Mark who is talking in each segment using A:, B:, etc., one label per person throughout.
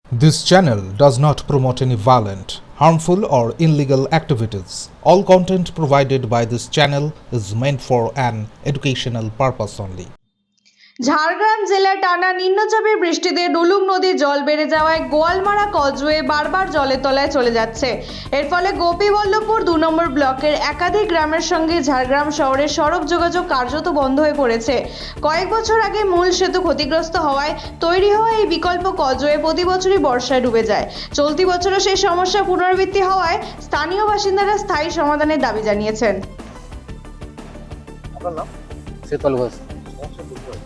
A: This channel does not promote any violent, harmful, or illegal activities. All content provided by this channel is meant for an educational purpose only.
B: Jhargram জেলায় টানা নিম্নচাপের বৃষ্টিতে ডুলুং নদীর জল বেড়ে যাওয়ায় গোয়ালমারা কজওয়ে বারবার জলের তলায় চলে যাচ্ছে। এর ফলে গোপীবল্লভপুর ২ নম্বর ব্লকের একাধিক গ্রামের সঙ্গে ঝাড়গ্রাম শহরের সড়ক যোগাযোগ কার্যত বন্ধ হয়ে পড়েছে। কয়েক বছর আগে মূল সেতু ক্ষতিগ্রস্ত হওয়ায় তৈরি হওয়া এই বিকল্প কজওয়ে প্রতি বছরই বর্ষায় ডুবে যায়। চলতি বছরও সেই সমস্যা পুনরাবৃত্তি হওয়ায় স্থানীয় বাসিন্দারা স্থায়ী সমাধানের দাবি জানিয়েছেন।
C: আপনার নাম?
D: শীতল ঘোষ।
C: সমস্যা বলতে হবে।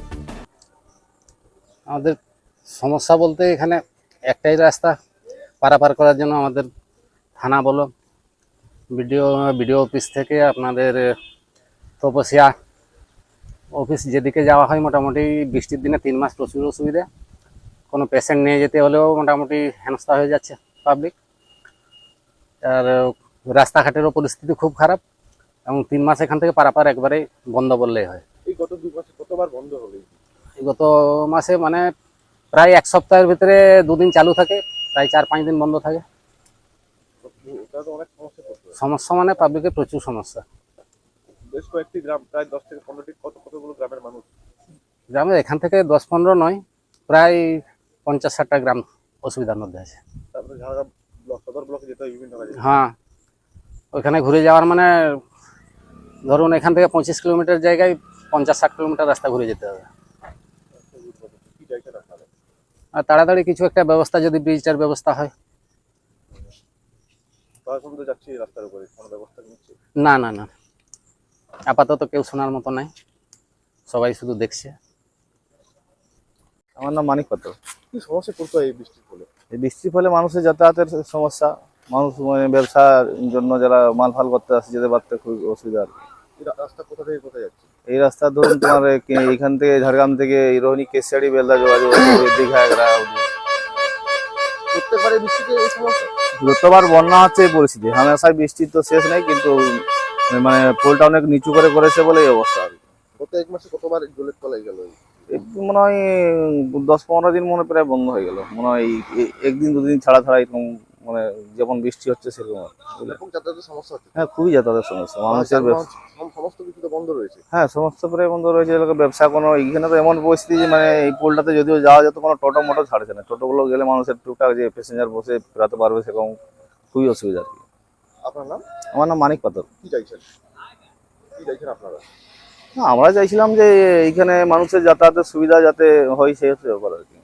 D: আমাদের সমস্যা বলতে এখানে একটাই রাস্তা পারাপার করার জন্য আমাদের থানা বলো বিডিও অফিস থেকে আপনাদের তপসিয়া অফিস যেদিকে যাওয়া হয় মোটামুটি বৃষ্টির দিনে 3 মাস প্রচুর অসুবিধা। কোনো পেশেন্ট নিয়ে যেতে হলেও মোটামুটি হেনস্থা হয়ে যাচ্ছে পাবলিক। আর রাস্তাঘাটেরও পরিস্থিতি খুব খারাপ এবং 3 মাস এখান থেকে পারাপার একবারে বন্ধ বললেই হয়।
C: এই গত 2 মাসে কতবার বন্ধ হলো?
D: গত মাসে মানে প্রায় 1 সপ্তাহের ভিতরে 2 দিন চালু থাকে, প্রায় 4-5 দিন বন্ধ থাকে।
C: এটা তো অনেক সমস্যা করতে হয়।
D: সমস্যা মানে পাবলিকের প্রচুর সমস্যা।
C: বেশ কয়েকটি গ্রাম, প্রায় 10 থেকে 15টি, কতগুলো গ্রামের মানুষ?
D: গ্রামের এখান থেকে 10-15 নয়, প্রায় 50-60টা গ্রাম অসুবিধার মধ্যে আছে।
C: তারপরে ঝাড়গ্রাম সদর ব্লকে যেতে হয় বিভিন্ন কাজে।
D: হ্যাঁ, ওইখানে ঘুরে যাওয়ার মানে ধরুন এখান থেকে 25 কিলোমিটার জায়গায় 50-60 কিলোমিটার রাস্তা ঘুরে যেতে হবে।
C: কি চাইছেন আপনারা?
D: আর তাড়াতাড়ি কিছু একটা ব্যবস্থা, যদি ব্রিজটার ব্যবস্থা হয়।
C: প্রশাসন তো যাচ্ছে এই রাস্তার উপরে, কোনো ব্যবস্থা নিচ্ছে?
D: না না না, আপাতত কেউ শোনার মতো নাই, সবাই শুধু দেখছে।
E: আমার নাম মানিক পাত্র।
C: কি সমস্যা করতে হয় এই বৃষ্টির ফলে?
E: এই বৃষ্টির ফলে মানুষের যাতায়াতের সমস্যা, মানুষ মানে ব্যবসার জন্য যারা মাল ফাল করতে আসে যেতে পারতে খুব অসুবিধা আর কি।
C: এই রাস্তা কোথা থেকে কোথায় যাচ্ছে?
E: এই রাস্তা ধরুন তোমার এইখান থেকে ঝাড়গ্রাম থেকে এই রোহিণী কেশিয়াড়ি বেলদা যোগাযোগ আছে, দীঘা এগরা অবধি।
C: প্রত্যেকবারে বৃষ্টিতে এই সমস্যা?
E: যতবার বন্যা হচ্ছে এই পরিস্থিতি, হামেশাই বৃষ্টির তো শেষ নেই, কিন্তু মানে পোলটা অনেক নিচু করে করেছে বলে এই অবস্থা আর কি।
C: গত 1 মাসে কতবার জলের তলায় গেল?
E: এই মনে হয় 10-15 দিন মনে প্রায় বন্ধ হয়ে গেল, মনে হয় একদিন দুদিন ছাড়া ছাড়া এরকম, মানে যেমন বৃষ্টি হচ্ছে সেরকম আর কি।
C: এরকম যাতায়াতের সমস্যা হচ্ছে?
E: হ্যাঁ, খুবই যাতায়াতের সমস্যা মানুষের ব্যবসা।
C: সমস্ত কিছু তো বন্ধ রয়েছে।
E: হ্যাঁ, সমস্ত প্রায় বন্ধ রয়েছে। এলাকা ব্যবসা কোনো এইখানে তো এমন পরিস্থিতি যে মানে এই পোলটাতে যদিও যাওয়া যেত, কোনো টোটো মোটো ছাড়ছে না। টোটোগুলো গেলে মানুষের টুকটাক যে প্যাসেঞ্জার বসে ফেরাতে পারবে সেরকম খুবই অসুবিধা আর কি।
C: আপনার নাম?
E: আমার নাম মানিক পাত্র।
C: কি চাইছেন? কি চাইছেন আপনারা?
E: না, আমরা চাইছিলাম যে এইখানে মানুষের যাতায়াতের সুবিধা যাতে হয়, সেই হচ্ছে ব্যাপার আর কি।